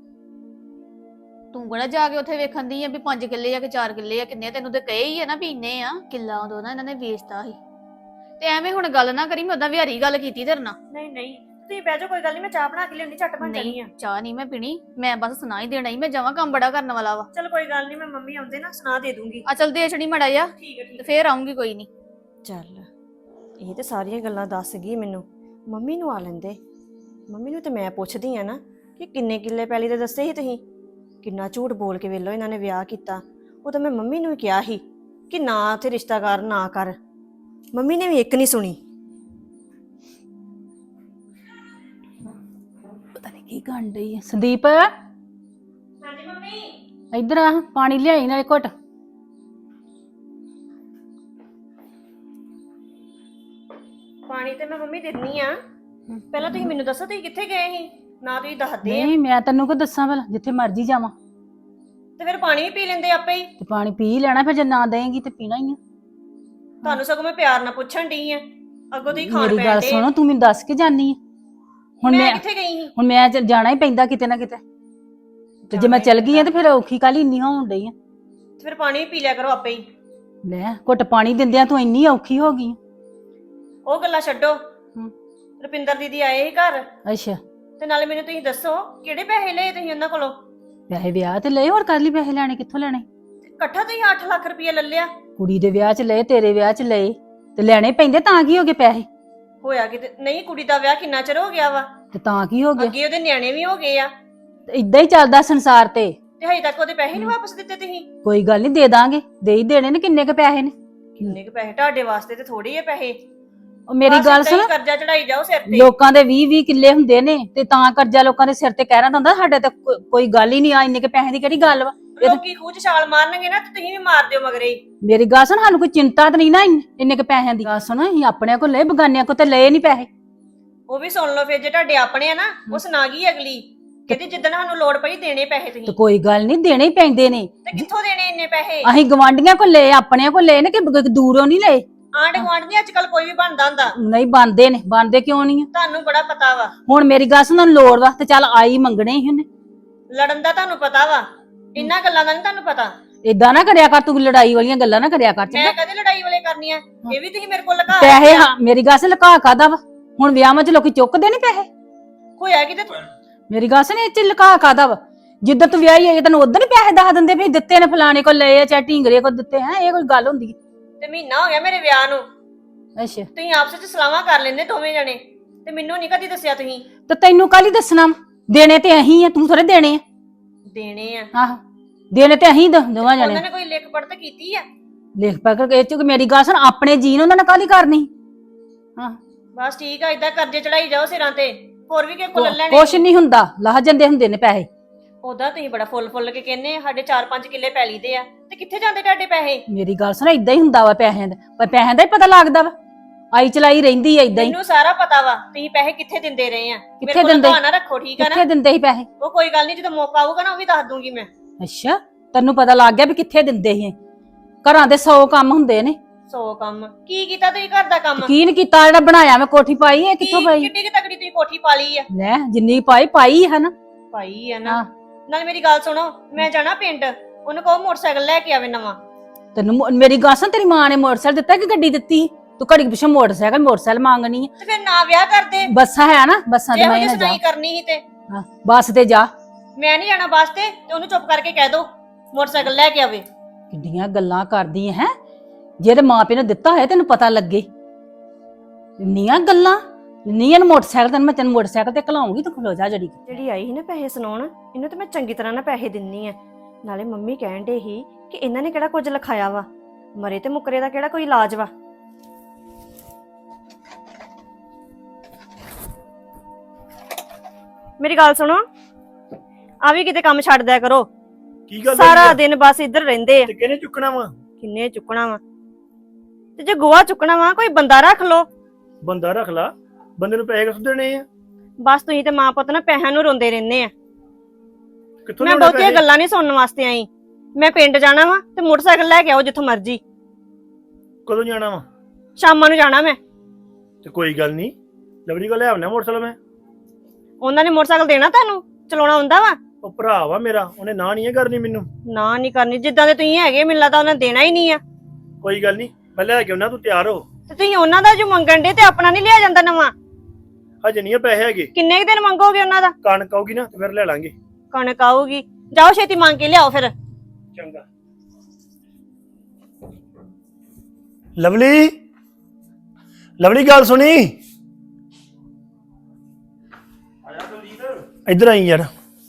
ਤੂੰ ਕਿਹੜਾ ਜਾ ਕੇ ਉੱਥੇ ਵੇਖਣ ਦੀ ਆ ਵੀ ਪੰਜ ਕਿੱਲੇ ਆ ਕਿ ਚਾਰ ਕਿੱਲੇ ਆ ਕਿੰਨੇ, ਤੈਨੂੰ ਤੇ ਕਹੇ ਹੀ ਆ ਨਾ ਵੀ ਇੰਨੇ ਆ। ਕਿੱਲਾ ਉਦੋਂ ਨਾ ਇਹਨਾਂ ਨੇ ਵੇਚਦਾ ਸੀ। ਤੇ ਐਵੇਂ ਹੁਣ ਗੱਲ ਨਾ ਕਰੀ, ਮੈਂ ਉਦਾਂ ਵਿਹਾਰੀ ਗੱਲ ਕੀਤੀ ਤੇਰੇ ਨਾਲ।
ਨਹੀਂ ਨਹੀਂ ਤੁਸੀਂ ਬਹਿ ਜਾਓ, ਕੋਈ ਗੱਲ ਨਹੀਂ, ਮੈਂ ਚਾਹ ਬਣਾ ਕੇ ਲਿਆਉਣੀ, ਝੱਟ ਬਣ ਜਾਣੀ ਆ।
ਨਹੀਂ ਚਾਹ ਨਹੀਂ ਮੈਂ ਪੀਣੀ, ਮੈਂ ਬਸ ਸੁਣਾ ਹੀ ਦੇਣਾ ਹੀ, ਮੈਂ ਜਾਵਾਂ ਕੰਮ ਬੜਾ ਕਰਨ ਵਾਲਾ ਵਾ।
ਚਲ ਕੋਈ ਗੱਲ ਨਹੀਂ, ਮੈਂ ਮੰਮੀ ਆਉਂਦੇ ਨਾ ਸੁਣਾ ਦੇ ਦੂੰਗੀ।
ਆ ਚਲ ਦੇ ਛੜੀ ਮੜਾ ਜਾ,
ਠੀਕ ਹੈ ਠੀਕ
ਤੇ ਫੇਰ ਆਉਂਗੀ ਕੋਈ ਨਹੀਂ।
ਚੱਲ ਇਹ ਤੇ ਸਾਰੀਆਂ ਗੱਲਾਂ ਦੱਸ ਗਈ ਮੈਨੂੰ। ਮੰਮੀ ਨੂੰ ਆ ਲੈਂਦੇ, ਮੰਮੀ ਨੂੰ ਤੇ ਮੈਂ ਪੁੱਛਦੀ ਆ ਨਾ ਕਿ ਕਿੰਨੇ ਕਿੱਲੇ ਪੈਲੀ ਦੇ ਦੱਸੇ ਸੀ ਤੁਸੀਂ। ਕਿੰਨਾ ਝੂਠ ਬੋਲ ਕੇ ਵੇਲੋ ਇਹਨਾਂ ਨੇ ਵਿਆਹ ਕੀਤਾ। ਉਹ ਤਾਂ ਮੈਂ ਮੰਮੀ ਨੂੰ ਹੀ ਕਿਹਾ ਸੀ ਕਿ ਨਾ ਉੱਥੇ ਰਿਸ਼ਤਾ ਕਰ, ਨਾ ਕਰ। ਮੰਮੀ ਨੇ ਵੀ ਇੱਕ ਨਹੀਂ ਸੁਣੀ।
ਪਤਾ ਨਹੀਂ ਕੀ ਕਰਨ ਡਈ ਆ ਸੰਦੀਪ।
ਹਾਂਜੀ ਮੰਮੀ।
ਇੱਧਰ ਆ, ਪਾਣੀ ਲਿਆਈ ਨਾਲੇ ਘੁੱਟ।
ਪਾਣੀ ਤੇ ਮੈਂ ਮੰਮੀ ਦਿੰਨੀ ਆ, ਪਹਿਲਾਂ ਤੁਸੀਂ ਮੈਨੂੰ ਦੱਸੋ ਤੁਸੀਂ ਕਿੱਥੇ ਗਏ ਸੀ? ਨਾ ਤੁਸੀਂ ਦੱਸਦੇ ਆ
ਨਹੀਂ ਮੈਂ ਤੈਨੂੰ ਕੋ ਦੱਸਾਂ ਭਲਾ, ਜਿੱਥੇ ਮਰਜ਼ੀ ਜਾਵਾਂ।
ਤੇ ਫਿਰ ਪਾਣੀ ਵੀ ਪੀ ਲੈਂਦੇ ਆਪੇ ਹੀ।
ਤੇ ਪਾਣੀ ਪੀ ਲੈਣਾ, ਫਿਰ ਜੇ ਨਾ ਦੇਂਗੀ ਤੇ ਪੀਣਾ ਹੀ ਆ।
ਤੁਹਾਨੂੰ ਸਗੋਂ ਮੈਂ ਪਿਆਰ ਨਾਲ ਪੁੱਛਣ ਡਈ ਆ, ਅੱਗੋਂ ਤੁਸੀਂ ਖਾਣ
ਮੇਰੀ ਗੱਲ
ਪੈਂਦੇ।
ਸੁਣੋ, ਤੂੰ ਮੈਨੂੰ ਦੱਸ ਕੇ ਜਾਨੀ ਆ। ਹੁਣ
ਮੈਂ
ਮੈਂ
ਕਿੱਥੇ ਗਈ ਸੀ?
ਹੁਣ ਮੈਂ ਚੱਲ ਜਾਣਾ ਹੀ ਪੈਂਦਾ ਕਿਤੇ ਨਾ ਕਿਤੇ, ਤੇ ਜੇ ਮੈਂ ਚੱਲ ਗਈ ਆ ਤੇ ਫਿਰ ਔਖੀ ਕਾਲੀ ਇੰਨੀ ਹੋਣ ਡਈ ਆ।
ਤੇ ਫਿਰ ਪਾਣੀ ਵੀ ਪੀ ਲਿਆ ਕਰੋ ਆਪੇ ਹੀ।
ਲੈ ਘੁੱਟ ਪਾਣੀ ਦਿੰਦਿਆਂ ਤੂੰ ਇੰਨੀ ਔਖੀ ਹੋ ਗਈ।
ਉਹ ਗੱਲਾਂ ਛੱਡੋ। ਰੁਪਿੰਦਰ ਦੀਦੀ ਆਏ ਸੀ ਘਰ,
ਅੱਛਾ,
ਤੇ ਨਾਲੇ ਮੈਨੂੰ ਤੁਸੀਂ ਦੱਸੋ ਕਿਹੜੇ ਪੈਸੇ ਲਏ ਤੁਸੀਂ ਉਹਨਾਂ ਕੋਲੋਂ?
ਪੈਸੇ ਵਿਆਹ ਤੇ ਲਏ, ਹੋਰ ਕਰ ਲਈ ਪੈਸੇ ਲੈਣੇ, ਕਿੱਥੋਂ ਲੈਣੇ?
ਇਕੱਠਾ ਤੁਸੀਂ ਅੱਠ ਲੱਖ ਰੁਪਏ ਲੈ ਲਿਆ।
ਕੁੜੀ ਦੇ ਵਿਆਹ 'ਚ ਲਏ, ਤੇਰੇ ਵਿਆਹ 'ਚ ਲਏ, ਤੇ ਲੈਣੇ ਪੈਂਦੇ, ਤਾਂ ਕੀ ਹੋ ਗਏ ਪੈਸੇ?
ਹੋਇਆ ਕਿਤੇ ਨਹੀਂ, ਕੁੜੀ ਦਾ ਵਿਆਹ ਕਿੰਨਾ ਚਿਰ ਹੋ ਗਿਆ ਵਾ,
ਤੇ ਤਾਂ ਕੀ ਹੋ ਗਿਆ?
ਅੱਗੇ ਉਹਦੇ ਨਿਆਣੇ ਵੀ ਹੋ ਗਏ ਆ,
ਇਦਾਂ ਹੀ ਚੱਲਦਾ ਸੰਸਾਰ ਤੇ।
ਤੇ ਹਜੇ ਤੱਕ ਉਹਦੇ ਪੈਸੇ ਨਹੀਂ ਵਾਪਸ ਦਿੱਤੇ ਤੁਸੀਂ।
ਕੋਈ ਗੱਲ ਨਹੀਂ, ਦੇ ਦਾਂਗੇ, ਦੇ ਹੀ ਦੇਣੇ ਨੇ। ਕਿੰਨੇ ਕ ਪੈਸੇ ਨੇ?
ਕਿੰਨੇ ਕੁ ਪੈਸੇ ਤੁਹਾਡੇ ਵਾਸਤੇ? ਤੇ ਥੋੜੇ ਹੀ ਪੈਸੇ।
ਉਹ ਮੇਰੀ
ਬਸ
ਗੱਲ
ਏਦਾਂ ਹੀ
ਸੁਣ,
ਕਰਜ਼ਾ ਚੜਾਈ ਜਾਓ ਸਿਰ ਤੇ।
ਲੋਕਾਂ ਦੇ ਵੀਹ ਵੀਹ ਕਿੱਲੇ ਹੁੰਦੇ ਨੇ, ਤੇ ਤਾਂ ਕਰਜ਼ਾ ਲੋਕਾਂ ਦੇ ਸਿਰ ਤੇ ਕਹਿ ਰਿਹਾ ਹੁੰਦਾ। ਸਾਡੇ ਤੇ ਕੋ- ਕੋਈ ਗੱਲ ਹੀ ਨਹੀਂ ਆ, ਇੰਨੇ ਕੇ ਪੈਸੇ ਦੀ ਕਿਹੜੀ ਗੱਲ ਵਾ? ਇਹ ਤਾਂ-
ਲੋਕੀ ਖੂਹ 'ਚ ਛਾਲ ਮਾਰਨਗੇ ਨਾ ਤੇ ਤੁਸੀਂ ਵੀ ਮਾਰ ਦਿਓ ਮਗਰੇ ਹੀ।
ਮੇਰੀ ਗੱਲ ਸੁਣ, ਸਾਨੂੰ ਕੋਈ ਚਿੰਤਾ ਤਾਂ ਨਹੀਂ ਨਾ ਇੰਨ- ਇੰਨੇ ਕ ਪੈਸਿਆਂ ਦੀ। ਗੱਲ ਸੁਣ, ਅਸੀਂ ਆਪਣੇ ਕੋਲ ਲਏ, ਬਗਾਨਿਆਂ ਕੋਲ ਤੇ ਲਏ ਨਹੀਂ ਪੈਸੇ।
ਉਹ ਵੀ ਸੁਣ ਲਓ ਫਿਰ, ਜੇ ਤੁਹਾਡੇ ਆਪਣੇ ਆ ਨਾ ਉਹ ਸੁਣਾ ਗਈ ਅਗਲੀ, ਕਹਿੰਦੀ ਜਿੱਦਣ ਸਾਨੂੰ ਲੋੜ ਪਈ ਦੇਣੇ ਪੈਸੇ
ਤੇ
ਤੁਸੀਂ।
ਕੋਈ ਗੱਲ ਨਹੀਂ, ਦੇਣੇ ਹੀ ਪੈਂਦੇ ਨੇ।
ਤੇ ਕਿੱਥੋਂ ਦੇਣੇ ਇੰਨੇ ਪੈਸੇ?
ਅਸੀਂ ਗਵਾਂਢੀਆਂ ਕੋਲ ਲਏ, ਆਪਣੇ ਕੋਲ ਲਏ ਨੇ ਕਿ ਬ- ਦੂਰੋਂ ਨਹੀਂ ਲਏ।
ਆਂਢ ਗੁਆਂਢ ਨੀ ਅੱਜ ਕੱਲ ਕੋਈ ਵੀ ਬਣਦਾ ਹੁੰਦਾ,
ਨਹੀਂ ਬਣਦੇ ਨੇ, ਬਣਦੇ ਕਿਉਂ ਨਹੀਂ ਆ?
ਤੁਹਾਨੂੰ ਬੜਾ ਪਤਾ ਵਾ।
ਹੁਣ ਮੇਰੀ ਗੱਲ ਸੁਣ, ਲੋੜ ਵਾ ਤੇ ਚੱਲ ਆਈ ਮੰਗਣੇ ਹੀ ਉਹਨੇ।
ਲੜਨ ਦਾ ਤੁਹਾਨੂੰ ਪਤਾ ਵਾ, ਇੰਨਾ ਗੱਲਾਂ ਦਾ ਨਹੀਂ ਤੁਹਾਨੂੰ ਪਤਾ।
ਏਦਾਂ ਨਾ ਕਰਿਆ ਕਰ, ਤੂੰ ਲੜਾਈ ਵਾਲੀਆਂ ਗੱਲਾਂ ਨਾ ਕਰਿਆ ਕਰ।
ਮੈਂ ਕਦੇ ਲੜਾਈ ਵਾਲੇ ਕਰਨੀਆਂ? ਇਹ ਵੀ ਤੁਸੀਂ ਮੇਰੇ ਕੋਲ ਲਗਾ
ਪੈਸੇ, ਹਾਂ ਮੇਰੀ ਗੱਲ ਸੁਣ, ਲੁਕਾ ਕਾਦਾ ਵਾ? ਹੁਣ ਵਿਆਹਾਂ 'ਚ ਲੋਕੀ ਚੁੱਕਦੇ ਨਹੀਂ ਪੈਸੇ।
ਹੋਇਆ ਕਿਤੇ?
ਮੇਰੀ ਗੱਲ ਸੁਣ, ਇਹ 'ਚ ਲੁਕਾ ਕਾਦਾ ਵਾ? ਜਿੱਦਾਂ ਤੂੰ ਵਿਆਹੀ ਆਈ ਤੈਨੂੰ ਉਦੋਂ ਹੀ ਪੈਸੇ ਦੱਸ ਦਿੰਦੇ ਵੀ ਦਿੱਤੇ ਨੇ, ਫਲਾਣੇ ਕੋਲ ਲਏ ਆ ਚਾਹੇ ਢੀਂਗਰੇ ਕੋਲ ਦਿੱਤੇ। ਹੈ ਇਹ ਕੋਈ ਗੱਲ ਹੁੰਦੀ ਹੈ?
ਤੇ ਮਹੀਨਾ ਹੋ ਗਿਆ ਮੇਰੇ ਵਿਆਹ ਨੂੰ,
ਅੱਛਾ,
ਤੁਸੀਂ ਆਪਸ ਵਿੱਚ ਸਲਾਹਾਂ ਕਰ ਲੈਂਦੇ ਦੋਵੇਂ ਜਣੇ, ਤੇ ਮੈਨੂੰ ਨਹੀਂ ਕਦੀ ਦੱਸਿਆ ਤੁਸੀਂ।
ਤੇ ਤੈਨੂੰ ਕੱਲ ਹੀ ਦੱਸਣਾ ਵਾ? ਦੇਣੇ ਤੇ ਅਹੀਂ ਆ, ਤੂੰ ਥੋੜੇ ਦੇਣੇ ਆ।
ਦੇਣੇ ਆ?
ਆਹੋ, ਦੇਣੇ ਤੇ ਅਹੀਂ ਦੋਵਾਂ ਜਣੇ।
ਉਹਨਾਂ ਨੇ ਕੋਈ ਲਿਖ ਪੜ੍ਹ ਤਾਂ ਕੀਤੀ ਆ?
ਲਿਖ ਪਾ ਕੇ ਇਹ ਚ ਮੇਰੀ ਗੱਲ ਸੁਣ, ਆਪਣੇ ਜੀਨ ਉਹਨਾਂ ਨੇ ਕੱਲ ਹੀ ਕਰਨੀ। ਹਾਂ,
ਬਸ ਠੀਕ ਆ, ਇਦਾਂ ਕਰਜ਼ੇ ਚੜਾਈ ਜਾਓ ਸਿਰਾਂ ਤੇ, ਹੋਰ ਵੀ ਕਿਸੇ ਕੋਲ ਲੈ ਲੈਣੇ।
ਕੁਛ ਨਹੀਂ ਹੁੰਦਾ, ਲਾਹ ਜਾਂਦੇ ਹੁੰਦੇ ਨੇ ਪੈਸੇ।
ਉਹਦਾ ਤੁਸੀਂ ਬੜਾ ਫੁੱਲ ਫੁੱਲ ਕੇ ਕਹਿੰਦੇ ਸਾਡੇ ਚਾਰ ਪੰਜ ਕਿੱਲੇ ਪੈਲੀ ਦੇ ਆ, ਤੇ ਕਿੱਥੇ ਜਾਂਦੇ ਤੁਹਾਡੇ ਪੈਸੇ?
ਮੇਰੀ ਗੱਲ ਸੁਣ, ਇਦਾਂ ਹੀ ਹੁੰਦਾ ਵਾ ਪੈਸਿਆਂ ਦਾ, ਪਰ ਪੈਸਿਆਂ ਦਾ ਹੀ ਪਤਾ ਲੱਗਦਾ ਵਾ। ਆਈ ਚਲਾਈ ਰਹਿੰਦੀ ਆ ਇਦਾਂ ਹੀ।
ਮੈਨੂੰ ਸਾਰਾ ਪਤਾ ਵਾ ਤੁਸੀਂ ਪੈਸੇ ਕਿੱਥੇ ਦਿੰਦੇ ਰਹੇ ਆ। ਮੇਰੇ
ਕਿੱਥੇ
ਕੋਲ
ਦਿੰਦੇ?
ਬਹਾਨਾ ਰੱਖੋ, ਠੀਕ ਆ
ਕਿੱਥੇ
ਨਾ?
ਦਿੰਦੇ ਸੀ ਪੈਸੇ?
ਉਹ ਕੋਈ ਗੱਲ ਨਹੀਂ, ਜਦੋਂ ਮੌਕਾ ਆਊਗਾ ਨਾ ਉਹ ਵੀ ਦੱਸ ਦੂੰਗੀ ਮੈਂ।
ਅੱਛਾ, ਤੈਨੂੰ ਪਤਾ ਲੱਗ ਗਿਆ ਵੀ ਕਿੱਥੇ ਦਿੰਦੇ ਸੀ? ਘਰਾਂ ਦੇ ਸੌ ਕੰਮ ਹੁੰਦੇ ਨੇ।
ਸੌ ਕੰਮ ਕੀ ਕੀਤਾ ਤੁਸੀਂ ਘਰ ਦਾ ਕੰਮ?
ਯਕੀਨ ਕੀਤਾ, ਜਿਹੜਾ ਬਣਾਇਆ ਮੈਂ ਕੋਠੀ ਪਾਈ, ਇਹ ਕਿੱਥੋਂ
ਕੀ-
ਪਾਈ?
ਕਿੱਡੀ ਕਿ ਤਕੜੀ ਤੁਸੀਂ ਕੋਠੀ ਪਾ ਲਈ ਆ?
ਲੈ ਜਿੰਨੀ ਪਾਈ ਪਾਈ ਹੈ ਨਾ।
ਪਾਈ ਆ ਨਾ।
ਹਾਂ।
ਨਾਲ ਮੇਰੀ ਗੱਲ ਸੁਣੋ, ਮੈਂ ਜਾਣਾ ਪਿੰਡ, ਉਹਨੂੰ ਕਹੋ ਮੋਟਰਸਾਈਕਲ ਲੈ ਕੇ ਆਵੇ ਨਵਾਂ।
ਤੈਨੂੰ ਮੋ- ਮੇਰੀ ਗੱਲ ਸੁਣ, ਤੇਰੀ ਮਾਂ ਨੇ ਮੋਟਰਸਾਈਕਲ ਦਿੱਤਾ ਕਿ ਗੱਡੀ ਦਿੱਤੀ? ਤੂੰ ਘੜੀ ਪਿੱਛੇ ਮੋਟਰਸਾਈਕਲ ਮੋਟਰਸਾਈਕਲ ਮੰਗਣੀ ਹੈ।
ਤੇ ਫਿਰ ਨਾ ਵਿਆਹ ਕਰਦੇ,
ਬੱਸਾਂ ਹੈ ਨਾ, ਬੱਸਾਂ ਤੇ
ਜੇ
ਮੈਂ
ਉਹਦੀ
ਨਾ ਜਾ।
ਸੁਣਾਈ ਕਰਨੀ ਸੀ ਤੇ।
ਹਾਂ, ਬੱਸ ਤੇ ਜਾ।
ਮੈਂ ਨਹੀਂ ਜਾਣਾ ਬੱਸ ਤੇ, ਤੇ ਉਹਨੂੰ ਚੁੱਪ ਕਰਕੇ ਕਹਿ ਦੋ ਮੋਟਰਸਾਈਕਲ ਲੈ ਕੇ ਆਵੇ।
ਕਿੱਡੀਆਂ ਗੱਲਾਂ ਕਰਦੀ ਹੈ? ਜਿਹੜੇ ਮਾਪੇ ਨੇ ਦਿੱਤਾ ਹੋਇਆ ਤੈਨੂੰ ਪਤਾ ਲੱਗੇ। ਇੰਨੀਆਂ ਗੱਲਾਂ, ਇੰਨੀਆਂ ਨੂੰ ਮੋਟਰਸਾਈਕਲ, ਤੈਨੂੰ ਮੈਂ ਤੈਨੂੰ ਮੋਟਰਸਾਈਕਲ ਤੇ ਘਲਾਉਂਗੀ, ਤੂੰ ਖਲੋ ਜਾ ਜੜੀ।
ਜਿਹੜੀ ਆਈ ਸੀ ਨਾ ਪੈਸੇ ਸੁਣਾਉਣ, ਇਹਨੂੰ ਤੇ ਮੈਂ ਚੰਗੀ ਤਰ੍ਹਾਂ ਨਾ ਪੈਸੇ ਦਿੰਨੀ ਆ। ਨਾਲੇ ਮੰਮੀ ਕਹਿਣ ਡੇ ਸੀ ਕਿ ਇਹਨਾਂ ਨੇ ਕਿਹੜਾ ਕੁਝ ਲਿਖਾਇਆ ਵਾ, ਮਰੇ ਤੇ ਮੁਕਰੇ ਦਾ ਕਿਹੜਾ ਕੋਈ ਇਲਾਜ ਵਾ। ਮੇਰੀ ਗੱਲ ਸੁਣੋ, ਆ ਵੀ ਕਿਤੇ ਕੰਮ ਛੱਡ ਦਿਆ ਕਰੋ।
ਕੀ ਗੱਲ
ਸਾਰਾ
ਹੋਈ ਆ?
ਦਿਨ ਬਸ ਇੱਧਰ ਰਹਿੰਦੇ ਆ।
ਤੇ ਕਿਹਨੇ ਚੁੱਕਣਾ ਵਾ?
ਕਿੰਨੇ ਚੁੱਕਣਾ ਵਾ? ਤੇ ਜੇ ਗੋਆ ਚੁੱਕਣਾ ਵਾ ਕੋਈ ਬੰਦਾ ਰੱਖ ਲੋ।
ਬੰਦਾ ਰੱਖ ਲਾ, ਬੰਦੇ ਨੂੰ ਪੈਸੇ ਕਿੱਥੋਂ ਦੇਣੇ ਆ?
ਬਸ ਤੁਸੀਂ ਤੇ ਮਾਂ ਪੁੱਤ ਨਾ ਪੈਸਿਆਂ ਨੂੰ ਰੋਂਦੇ ਰਹਿੰਦੇ ਆ।
ਕਿੱਥੋਂ
ਮੈਂ
ਲਿਆਉਣੇ
ਬਹੁਤੀਆਂ
ਪੈਸੇ?
ਗੱਲਾਂ ਨਹੀਂ ਸੁਣਨ ਵਾਸਤੇ ਆਈ। ਮੈਂ ਪਿੰਡ ਜਾਣਾ ਵਾ ਤੇ ਮੋਟਰਸਾਈਕਲ ਲੈ ਕੇ ਆਓ ਜਿੱਥੋਂ ਮਰਜ਼ੀ।
ਕਦੋਂ ਜਾਣਾ ਵਾ?
ਸ਼ਾਮਾਂ ਨੂੰ ਜਾਣਾ ਮੈਂ।
ਤੇ ਕੋਈ ਗੱਲ ਨਹੀਂ, ਲਵਲੀ ਕੋਲ ਲੈ ਆਉਣਾ ਮੋਟਰਸਾਈਕਲ ਮੈਂ।
ਉਹਨਾਂ ਨੇ ਮੋਟਰਸਾਈਕਲ ਦੇਣਾ ਤੁਹਾਨੂੰ? ਚਲਾਉਣਾ ਹੁੰਦਾ ਵਾ?
ਉਹ ਭਰਾ ਵਾ ਮੇਰਾ, ਉਹਨੇ ਨਾ ਨਹੀਂ ਕਰਨੀ ਮੈਨੂੰ।
ਨਾ ਨਹੀਂ ਕਰਨੀ, ਜਿੱਦਾਂ ਦੇ ਤੁਸੀਂ ਹੈਗੇ ਮੈਨੂੰ ਲੱਗਦਾ ਉਹਨੇ ਦੇਣਾ ਹੀ ਨਹੀਂ ਆ।
ਕੋਈ ਗੱਲ ਨਹੀਂ, ਮੈਂ ਲੈ ਕੇ ਆਉਣਾ, ਤੂੰ ਤਿਆਰ ਹੋ।
ਤੇ ਤੁਸੀਂ ਉਹਨਾਂ ਦਾ ਜੋ ਮੰਗਣ ਦੇ ਤੇ ਆਪਣਾ ਨਹੀਂ ਲਿਆ ਜਾਂਦਾ ਨਵਾਂ?
ਹਜੇ ਨਹੀਂ ਪੈਸੇ ਹੈਗੇ,
ਕਿੰਨੇ ਕੁ ਦਿਨ ਮੰਗੋਗੇ ਉਹਨਾਂ ਦਾ?
ਕਣਕ ਆਊਗੀ ਨਾ ਤੇ ਫਿਰ ਲੈ ਲਾਂਗੇ।
ਕਣਕ ਆਊਗੀ, ਜਾਓ ਛੇਤੀ ਮੰਗ ਕੇ ਲਿਆਓ ਫਿਰ।
ਚੰਗਾ। ਲਵਲੀ, ਲਵਲੀ ਗੱਲ ਸੁਣੀ,
ਆਇਆ ਦਲਜੀਤ।
ਇੱਧਰ ਆਈ ਯਾਰ।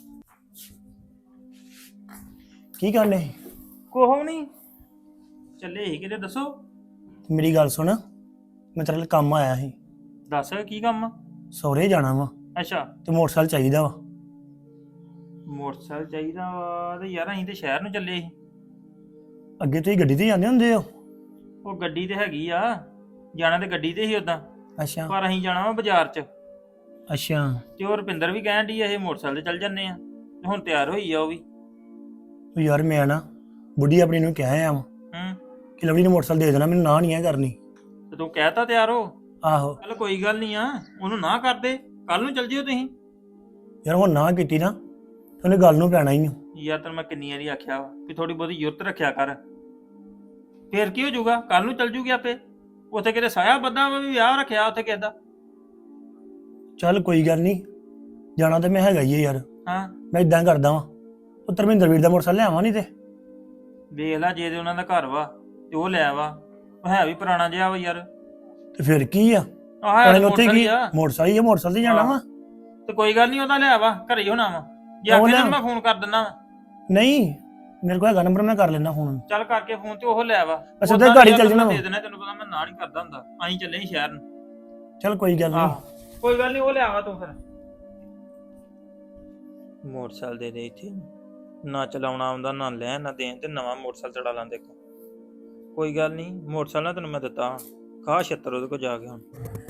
ਕੀ ਕਰਨੇ?
ਕੋਹ ਨਹੀਂ ਚੱਲੇ ਸੀ ਕਿਤੇ, ਦੱਸੋ।
ਮੇਰੀ ਗੱਲ ਸੁਣ, ਮੈਂ ਤੇਰੇ ਲਈ ਕੰਮ ਆਇਆ ਸੀ।
ਦੱਸ ਕੀ ਕੰਮ?
ਸਹੁਰੇ ਜਾਣਾ ਵਾ
ਅੱਛਾ,
ਤੇ ਮੋਟਰਸਾਈਕਲ ਚਾਹੀਦਾ ਵਾ।
ਮੋਟਰਸਾਈਕਲ ਚਾਹੀਦਾ ਵਾ ਤੇ ਯਾਰ ਅਸੀਂ ਤੇ ਸ਼ਹਿਰ ਨੂੰ ਚੱਲੇ ਸੀ।
ਅੱਗੇ ਤੁਸੀਂ ਗੱਡੀ ਤੇ ਜਾਂਦੇ ਹੁੰਦੇ ਹੋ?
ਉਹ ਗੱਡੀ ਤੇ ਹੈਗੀ ਆ, ਜਾਣਾ ਤੇ ਗੱਡੀ ਤੇ ਹੀ ਉਦਾਂ,
ਅੱਛਾ
ਪਰ ਅਸੀਂ ਜਾਣਾ ਵਾ ਬਾਜ਼ਾਰ 'ਚ।
ਅੱਛਾ।
ਤੇ ਉਹ ਰੁਪਿੰਦਰ ਵੀ ਕਹਿਣ ਡਈ ਇਹ ਮੋਟਰਸਾਈਕਲ ਤੇ ਚੱਲ ਜੰਨੇ ਆ, ਤੇ ਹੁਣ ਤਿਆਰ ਹੋਈ ਆ ਉਹ ਵੀ।
ਉਹ ਯਾਰ ਮੈਂ ਨਾ ਬੁੱਢੀ ਆਪਣੀ ਨੂੰ ਕਿਹਾ ਆ
ਹੂੰ,
ਕਿ ਲਵਲੀ ਨੂੰ ਮੋਟਰਸਾਈਕਲ ਦੇ ਦੇਣਾ, ਮੈਨੂੰ ਨਾ ਨਹੀਂ ਆ ਕਰਨੀ।
ਤੇ ਤੂੰ ਕਹਿਤਾ ਤਿਆਰ ਹੋ?
ਆਹੋ
ਚੱਲ ਕੋਈ ਗੱਲ ਨਹੀਂ ਆ, ਉਹਨੂੰ ਨਾ ਕਰਦੇ, ਕੱਲ ਨੂੰ ਚੱਲ ਜਿਓ ਤੁਸੀਂ।
ਯਾਰ ਹੁਣ ਨਾ ਕੀਤੀ ਨਾ ਤੇ ਉਹਨੇ ਗੱਲ ਨੂੰ ਪੈਣਾ ਹੀ ਆ।
ਯਾਰ ਤੈਨੂੰ ਮੈਂ ਕਿੰਨੀ ਵਾਰੀ ਆਖਿਆ ਵਾ ਕਿ ਥੋੜੀ ਬਹੁਤੀ ਯੁਰਤ ਰੱਖਿਆ ਕਰ, ਫੇਰ ਕੀ ਹੋ ਜਾਊਗਾ, ਕੱਲ ਨੂੰ ਚੱਲ ਜੂਗੀ ਆਪੇ। ਉੱਥੇ ਕਿਤੇ ਸਾਇਆ ਬੱਦਾ ਵਾ ਵੀ ਵਿਆਹ ਰੱਖਿਆ ਉੱਥੇ ਕਿਸੇ ਦਾ।
ਚੱਲ ਕੋਈ ਗੱਲ ਨਹੀਂ, ਜਾਣਾ ਤੇ ਮੈਂ ਹੈਗਾ ਹੀ ਆ ਯਾਰ।
ਹਾਂ,
ਮੈਂ ਇਦਾਂ ਕਰਦਾ ਵਾਂ, ਉਹ ਧਰਮਿੰਦਰ ਵੀਰ ਦਾ ਮੋਟਰਸਾਈਕਲ ਲਿਆਵਾਂ ਨਹੀਂ ਤੇ।
ਵੇਖ ਲੈ, ਜੇ ਤੇ ਉਹਨਾਂ ਦਾ ਘਰ ਵਾ ਤੇ ਉਹ ਲੈ ਵਾ, ਉਹ ਹੈ ਵੀ ਪੁਰਾਣਾ ਜਿਹਾ ਵਾ ਯਾਰ।
ਤੇ ਫਿਰ ਕੀ ਆ,
ਆਹ ਹੈ
ਉਹਨੇ ਉੱਥੇ
ਮੋਟਰਸਾਈਕਲ
ਕੀ
ਹੀ ਆ।
ਮੋਟਰਸਾਈਕਲ ਹੀ ਆ, ਮੋਟਰਸਾਈਕਲ ਤੇ ਜਾਣਾ ਵਾ।
ਤੇ ਕੋਈ ਗੱਲ ਨਹੀਂ, ਉਹਦਾ ਲਿਆ ਵਾ, ਘਰੇ ਹੀ ਹੋਣਾ ਵਾ। ਜੇ
ਉਹ
ਆਖੇ
ਲਿਆ।
ਤੈਨੂੰ ਮੈਂ ਫੋਨ ਕਰ ਦਿੰਦਾ ਵਾ।
ਨਹੀਂ ਮੇਰੇ ਕੋਲ ਹੈਗਾ ਨੰਬਰ, ਮੈਂ ਕਰ ਲੈਣਾ ਫੋਨ।
ਚੱਲ ਕਰਕੇ ਫੋਨ ਤੇ ਉਹ ਲੈ ਵਾ।
ਅੱਛਾ,
ਉੱਦਾਂ
ਤੇ ਗਾੜੀ
ਯਾਰ
ਚੱਲ
ਤੈਨੂੰ
ਜਾਣਾ
ਮੈਂ
ਵਾ।
ਦੇ ਦੇਣਾ, ਤੈਨੂੰ ਪਤਾ ਮੈਂ ਨਾ ਨਹੀਂ ਕਰਦਾ ਹੁੰਦਾ। ਅਸੀਂ ਚੱਲੇ ਸੀ ਸ਼ਹਿਰ ਨੂੰ।
ਚੱਲ ਕੋਈ ਗੱਲ
ਆਹ
ਨਹੀਂ।
ਕੋਈ ਗੱਲ ਨਹੀਂ, ਉਹ ਲਿਆਵਾ ਤੂੰ ਫਿਰ। ਮੋਟਰਸਾਈਕਲ ਦੇ ਦੇ ਇੱਥੇ, ਨਾ ਚਲਾਉਣਾ ਆਉਂਦਾ ਨਾ ਲੈਣ ਨਾ ਦੇਣ ਤੇ ਨਵਾਂ ਮੋਟਰਸਾਈਕਲ ਚੜਾ ਲਾਂ ਦੇਖੋ। ਕੋਈ ਗੱਲ ਨਹੀਂ, ਮੋਟਰਸਾਈਕਲ ਨਾ ਤੈਨੂੰ ਮੈਂ ਦਿੱਤਾ, ਖਾ ਛੱਤਰ ਉਹਦੇ ਕੋਲ ਜਾ ਕੇ ਹੁਣ।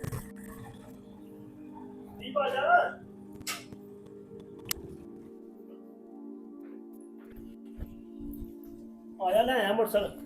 ਆਇਆ ਲੈ ਆਇਆ ਮੋਟਰਸਾਈਕਲ।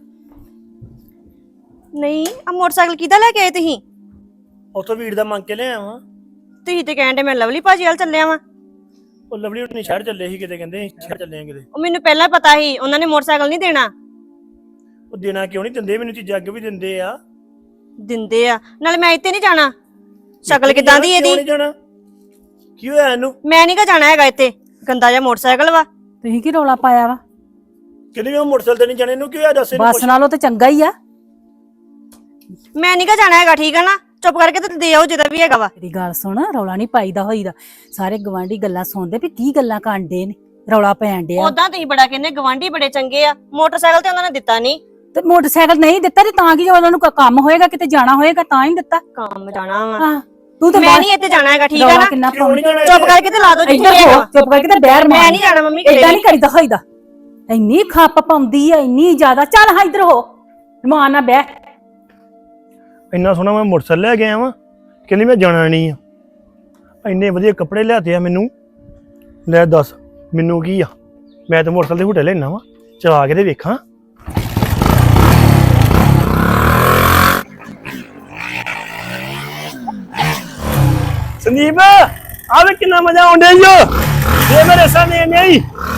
ਨਹੀਂ ਆ ਮੋਟਰਸਾਈਕਲ ਕਿਹਦਾ ਲੈ ਕੇ ਆਏ ਤੁਸੀਂ?
ਉੱਥੋਂ ਵੀਰ ਦਾ ਮੰਗ ਕੇ ਲੈ ਆਇਆ ਵਾਂ।
ਤੁਸੀਂ ਤੇ ਕਹਿੰਦੇ ਮੈਂ ਲਵਲੀ ਭਾਜੀ ਵੱਲ ਚੱਲਿਆ ਵਾਂ।
ਉਹ ਲਵਲੀ ਉਹਨੇ ਸ਼ਹਿਰ ਚੱਲੇ ਸੀ ਕਿਤੇ, ਕਹਿੰਦੇ ਅਸੀਂ ਸ਼ਹਿਰ ਚੱਲੇ ਆ ਕਿਤੇ।
ਉਹ ਮੈਨੂੰ ਪਹਿਲਾਂ ਪਤਾ ਸੀ ਉਹਨਾਂ ਨੇ ਮੋਟਰਸਾਈਕਲ ਨਹੀਂ ਦੇਣਾ।
ਉਹ ਦੇਣਾ ਕਿਉਂ ਨਹੀਂ ਦਿੰਦੇ, ਮੈਨੂੰ ਚੀਜ਼ਾਂ ਅੱਗੇ ਵੀ ਦਿੰਦੇ ਆ।
ਦਿੰਦੇ ਆ, ਨਾਲੇ ਮੈਂ ਇੱਥੇ ਨਹੀਂ ਜਾਣਾ। ਸ਼ਕਲ ਕਿਦਾਂ ਦੀ
ਕਿਉਂ
ਇਹਦੀ?
ਨਹੀਂ ਜਾਣਾ? ਕੀ ਹੋਇਆ ਇਹਨੂੰ?
ਮੈਂ ਨਹੀਂ ਗਾ ਜਾਣਾ ਹੈਗਾ ਇੱਥੇ, ਗੰਦਾ ਜਿਹਾ ਮੋਟਰਸਾਈਕਲ ਵਾ।
ਤੁਸੀਂ ਕੀ ਰੌਲਾ ਪਾਇਆ ਵਾ?
ਕਿਹਨੇ ਵੀ ਮੋਟਰਸਾਈਕਲ ਤੇ ਨਹੀਂ ਜਾਣੇ, ਇਹਨੂੰ ਕੀ ਹੋਇਆ ਦੱਸ ਇਹਨੂੰ
ਬੱਸ
ਕੁਛ।
ਨਾਲੋਂ ਤੇ ਚੰਗਾ ਹੀ ਆ।
ਮੈਂ ਨਹੀਂ ਗਾ ਜਾਣਾ ਹੈਗਾ, ਠੀਕ ਆ ਨਾ? ਚੁੱਪ ਕਰਕੇ ਤੇ ਦੇ ਆਓ ਜਿਹਦਾ ਵੀ ਹੈਗਾ ਵਾ।
ਤੇਰੀ ਗੱਲ ਸੁਣ, ਰੌਲਾ ਨਹੀਂ ਪਾਈਦਾ ਹੋਈਦਾ। ਸਾਰੇ ਗਵਾਂਢੀ ਗੱਲਾਂ ਸੁਣਦੇ ਵੀ ਕੀ ਗੱਲਾਂ ਕਾਂਡੇ ਨੇ, ਰੌਲਾ ਪੈਣ ਡਿਆ।
ਉਦਾਂ ਤੁਸੀਂ ਬੜਾ ਕਹਿੰਦੇ ਗਵਾਂਢੀ ਬੜੇ ਚੰਗੇ ਆ, ਮੋਟਰਸਾਈਕਲ ਤੇ ਉਹਨਾਂ ਨੇ ਦਿੱਤਾ ਨਹੀਂ।
ਤੇ ਮੋਟਰਸਾਈਕਲ ਨਹੀਂ ਦਿੱਤਾ ਤੇ ਤਾਂ ਕੀ, ਜਦੋਂ ਉਹਨਾਂ ਨੂੰ ਕੋਈ ਕੰਮ ਹੋਏਗਾ ਕਿਤੇ ਜਾਣਾ ਹੋਏਗਾ ਤਾਂ ਹੀ ਦਿੱਤਾ।
ਕੰਮ ਜਾਣਾ ਵਾ।
ਹਾਂ ਤੂੰ ਤੇ
ਮੈਂ ਨਹੀਂ ਇੱਥੇ ਜਾਣਾ ਹੈਗਾ, ਠੀਕ ਆ
ਰੌਲਾ
ਨਾ?
ਕਿੰਨਾ
ਕਿਉਂ ਨਹੀਂ ਜਾਣਾ?
ਚੁੱਪ ਕਰਕੇ ਤੇ ਲਾ ਦੋ ਜਿੱਥੇ
ਇੱਧਰ
ਹੈਗਾ
ਹੋ,
ਵਾ।
ਚੁੱਪ ਕਰਕੇ ਤੇ ਬਹਿਰ
ਮੈਂ
ਮਾਰ।
ਨਹੀਂ ਜਾਣਾ ਮੰਮੀ,
ਏਦਾਂ ਨਹੀਂ ਕਰੀਦਾ ਹੋਈਦਾ। ਇੰਨੀ ਖੱਪ ਪਾਉਂਦੀ ਆ, ਇੰਨੀ ਜ਼ਿਆਦਾ। ਚੱਲ ਹਾਂ ਇੱਧਰ ਹੋ, ਰਮਾਨ ਨਾਲ ਬਹਿ।
ਇੰਨਾ ਸੋਹਣਾ ਮੈਂ ਮੋਟਰਸਾਈਕਲ ਲੈ ਕੇ ਆਇਆ ਵਾਂ, ਕਹਿੰਦੀ ਮੈਂ ਜਾਣਾ ਨਹੀਂ ਆ। ਇੰਨੇ ਵਧੀਆ ਕੱਪੜੇ ਲਿਆਤੇ ਆ ਮੈਨੂੰ। ਲੈ ਦੱਸ ਮੈਨੂੰ ਕੀ ਆ, ਮੈਂ ਤਾਂ ਮੋਟਰਸਾਈਕਲ ਦੇ ਹੁਟੇ ਲੈਣਾ ਵਾ, ਚਲਾ ਕੇ ਤੇ ਵੇਖਾਂ। ਸੰਦੀਪ ਆਵੇ ਕਿੰਨਾ ਮਜ਼ਾ ਆਉਂਦਾ ਈ ਓ, ਇਹ ਮੇਰੇ ਸਾਹਮਣੇ ਨਹੀਂ